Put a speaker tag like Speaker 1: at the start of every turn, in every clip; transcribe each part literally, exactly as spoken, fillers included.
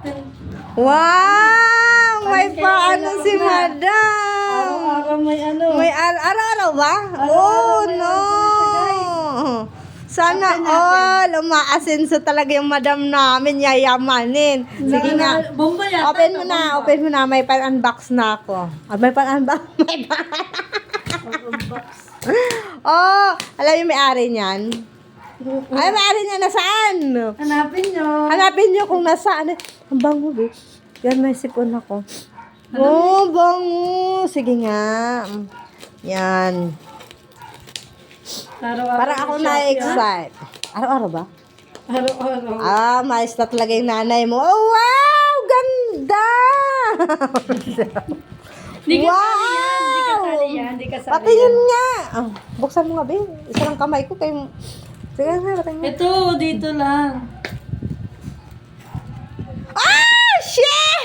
Speaker 1: Wow! May
Speaker 2: Paano
Speaker 1: paano
Speaker 2: kailangan
Speaker 1: si
Speaker 2: na?
Speaker 1: Madam.
Speaker 2: Araw-araw may ano.
Speaker 1: May ar- araw-araw ba?
Speaker 2: Araw-araw
Speaker 1: Oh,
Speaker 2: may
Speaker 1: no.
Speaker 2: order
Speaker 1: Sana
Speaker 2: Open natin.
Speaker 1: all, umaasenso talaga yung madam namin, yayamanin. Sige nga.
Speaker 2: Bomba yata.
Speaker 1: Open mo
Speaker 2: ito,
Speaker 1: na,
Speaker 2: bomba.
Speaker 1: open mo na. May pan-unbox na ako. Ah, may pan-unbox? May pan
Speaker 2: Unbox.
Speaker 1: Oh, alam yung may-ari niyan? Ay, may-ari niya nasaan?
Speaker 2: Hanapin nyo.
Speaker 1: Hanapin niyo kung nasaan. Ang bango, be. Yan, may sipon ako. Oh, bango. Sige nga. Yan.
Speaker 2: Araw-araw
Speaker 1: Parang ako
Speaker 2: may Shopee, ah.
Speaker 1: na-excite. Araw-araw ba?
Speaker 2: Araw-araw.
Speaker 1: Ah, mais na talaga yung nanay mo. Oh, wow! Ganda!
Speaker 2: Hindi ka
Speaker 1: Wow!
Speaker 2: sali yan. Hindi ka sali yan. Hindi ka sali
Speaker 1: Pati
Speaker 2: yan.
Speaker 1: yun nga. Ah, buksan mo nga, be. Isa lang kamay ko kay... Sige nga, pati nga.
Speaker 2: Ito, dito lang.
Speaker 1: Ah! Shit!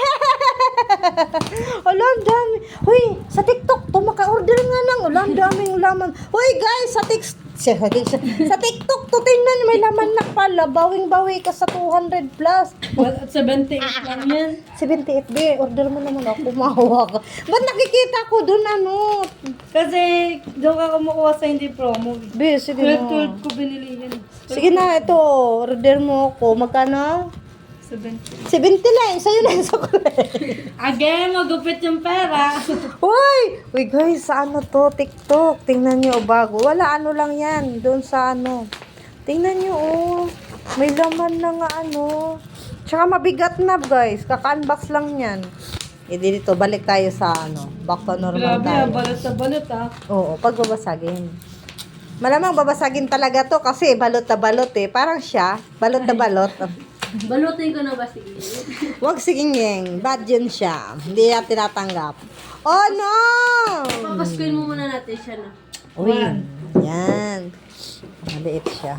Speaker 1: Wala, ang dami. Hoy, sa TikTok to, maka-order nga ng wala, ang daming laman. Hoy, guys, sa TikTok, sa TikTok to, tingnan, may laman na pala. Bawing-bawi ka sa two hundred plus.
Speaker 2: Well, seventy-eight lang yan.
Speaker 1: seventy-eight, be, order mo naman ako, mahawa ka. Ba't nakikita ko dun, ano?
Speaker 2: Kasi doon ka kumukuha sa hindi promo.
Speaker 1: Be, sige
Speaker 2: twelve
Speaker 1: na.
Speaker 2: twelve ko binili yan.
Speaker 1: Sige na, ito, order mo ako. Magkano?
Speaker 2: seventy.
Speaker 1: seventy lang, sa'yo na yung sukulay.
Speaker 2: Again, magupit yung pera.
Speaker 1: Uy! Uy guys, sa ano to? TikTok. Tingnan nyo, bago. Wala, ano lang yan. Doon sa ano. Tingnan nyo, oh. May laman na nga ano. Tsaka mabigat na, guys. Kaka-unbox lang yan. E dito, balik tayo sa ano. Back to normal
Speaker 2: Grabe,
Speaker 1: tayo.
Speaker 2: ah, balot na balot ah.
Speaker 1: Oo, pag babasagin. Malamang babasagin talaga to kasi balot na balot eh. Parang siya, balot na balot.
Speaker 2: Balutin ko na ba sige?
Speaker 1: Huwag siginging. Bad yun siya. Hindi yan tinatanggap. Oh no!
Speaker 2: Papaskuin mo muna natin siya na.
Speaker 1: Uy, yan. Maliit siya.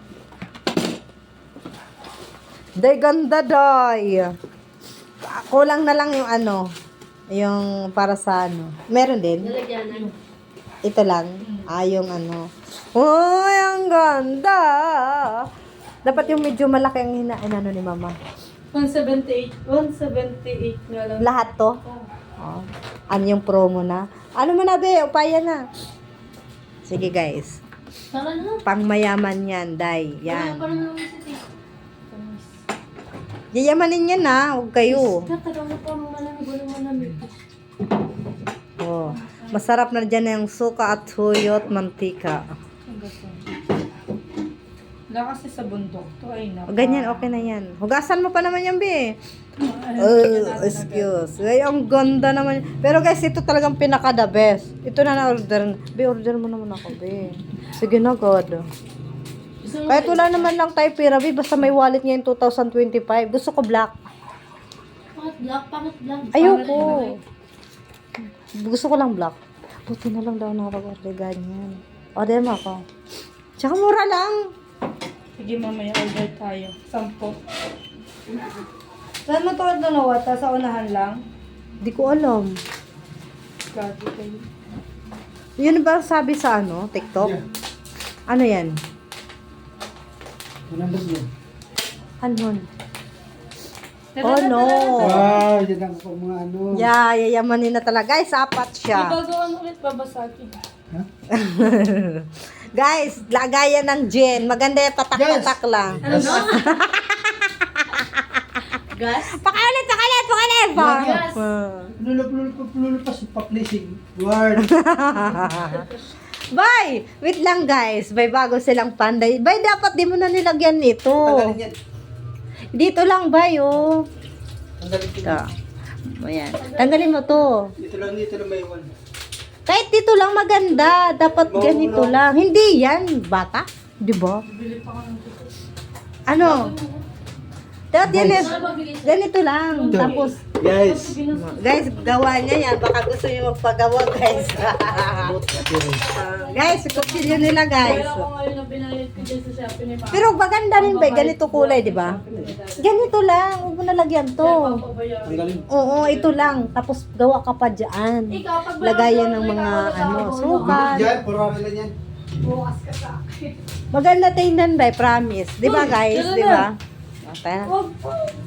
Speaker 1: Day, ganda, day. Kulang na lang yung ano, yung para sa ano. Meron din.
Speaker 2: Nalagyanan.
Speaker 1: Ito lang. Ah, yung ano. Uy, ang ganda. Dapat yung medyo malaki ang hina, ano ni mama.
Speaker 2: one seventy-eight. one seventy-eight nga lang.
Speaker 1: Lahat to? Oh. Ano yung promo na? Ano mo na, be? Upaya na. Sige, guys.
Speaker 2: Saka na.
Speaker 1: Pangmayaman yan, day. Yan.
Speaker 2: Parang naman si Tito.
Speaker 1: Yayamanin yan, ha? Huwag kayo.
Speaker 2: Katagal mo pa malamig. Wala malamig.
Speaker 1: Oh. Masarap na dyan yung suka at huyot, mantika.
Speaker 2: Wala kasi sa bundok to ay na.
Speaker 1: Ganyan, okay na yan. Hugasan mo pa naman yan, be. Oh, excuse. Ay, ang ganda naman. Pero guys, ito talagang pinaka the best. Ito na na-order. Be, order mo naman ako, be. Sige na, God. Kahit wala naman lang tayo pera, be. Basta may wallet ngayon two thousand twenty-five. Gusto ko black.
Speaker 2: Bakit black? Bakit black?
Speaker 1: Ayoko. Gusto ko lang black. Buti na lang daw nakapag-order ganyan. Order mo ako. Tsaka mura lang.
Speaker 2: Sige, mamaya order tayo. Sampo. Saan mo to dalawa? Ta sa unahan lang?
Speaker 1: Di ko alam.
Speaker 2: Grabe kayo.
Speaker 1: Yun ba ang sabi sa ano, TikTok? Ano yan? Ano yun? Oh no.
Speaker 3: Wow, yan ang pang mga ano.
Speaker 1: Yeah, yayamanin na talaga. Guys, apat siya.
Speaker 2: Ibagawan ulit babasagin.
Speaker 1: Guys, lagayan ng gin. Maganda yung tatak-tatak lang.
Speaker 2: Ano no? Gas?
Speaker 1: Pakiulit, pakiulit, pakiulit!
Speaker 2: Yes.
Speaker 3: Lulap, lulap, lulap pa sa pa-placing. Word.
Speaker 1: Bye! Wait lang guys. Bye, bago silang panday. Bye, dapat di mo na nilagyan nito.
Speaker 3: Tanggalin yan.
Speaker 1: Dito lang, bye, oh.
Speaker 3: Tanggalin ko.
Speaker 1: Ito. Ayan. Tanggalin mo to.
Speaker 3: Dito lang, dito lang may one.
Speaker 1: Kahit dito lang maganda. Dapat
Speaker 3: Oo,
Speaker 1: ganito
Speaker 3: no.
Speaker 1: lang. Hindi yan, bata. Di ba?
Speaker 2: Bili pa ka ng dito.
Speaker 1: Ano? Dapat yan,
Speaker 3: Guys.
Speaker 1: eh, ganito lang.
Speaker 3: Ito.
Speaker 1: Tapos,
Speaker 3: Guys.
Speaker 1: guys, gawa niya yan. Baka gusto niyo magpagawa, guys. Guys, kutsilyo nila, guys.
Speaker 2: Kaya ako ngayon na binayad ko dyan sa Shopee ni Papa.
Speaker 1: Pero maganda rin ba? Ganito kulay, di ba? Ganito lang. Huwag mo nalagyan to.
Speaker 3: Tanggalin.
Speaker 1: Oo, ito lang. Tapos gawa ka pa dyan.
Speaker 2: Ikaw, pag
Speaker 1: Lagayan ng mga ano, sukat.
Speaker 3: Diyan, puro lang yan.
Speaker 2: bukas ka sa akin.
Speaker 1: Maganda tingnan ba? Promise. Di ba, guys? Di ba? Okay.
Speaker 2: Wag po.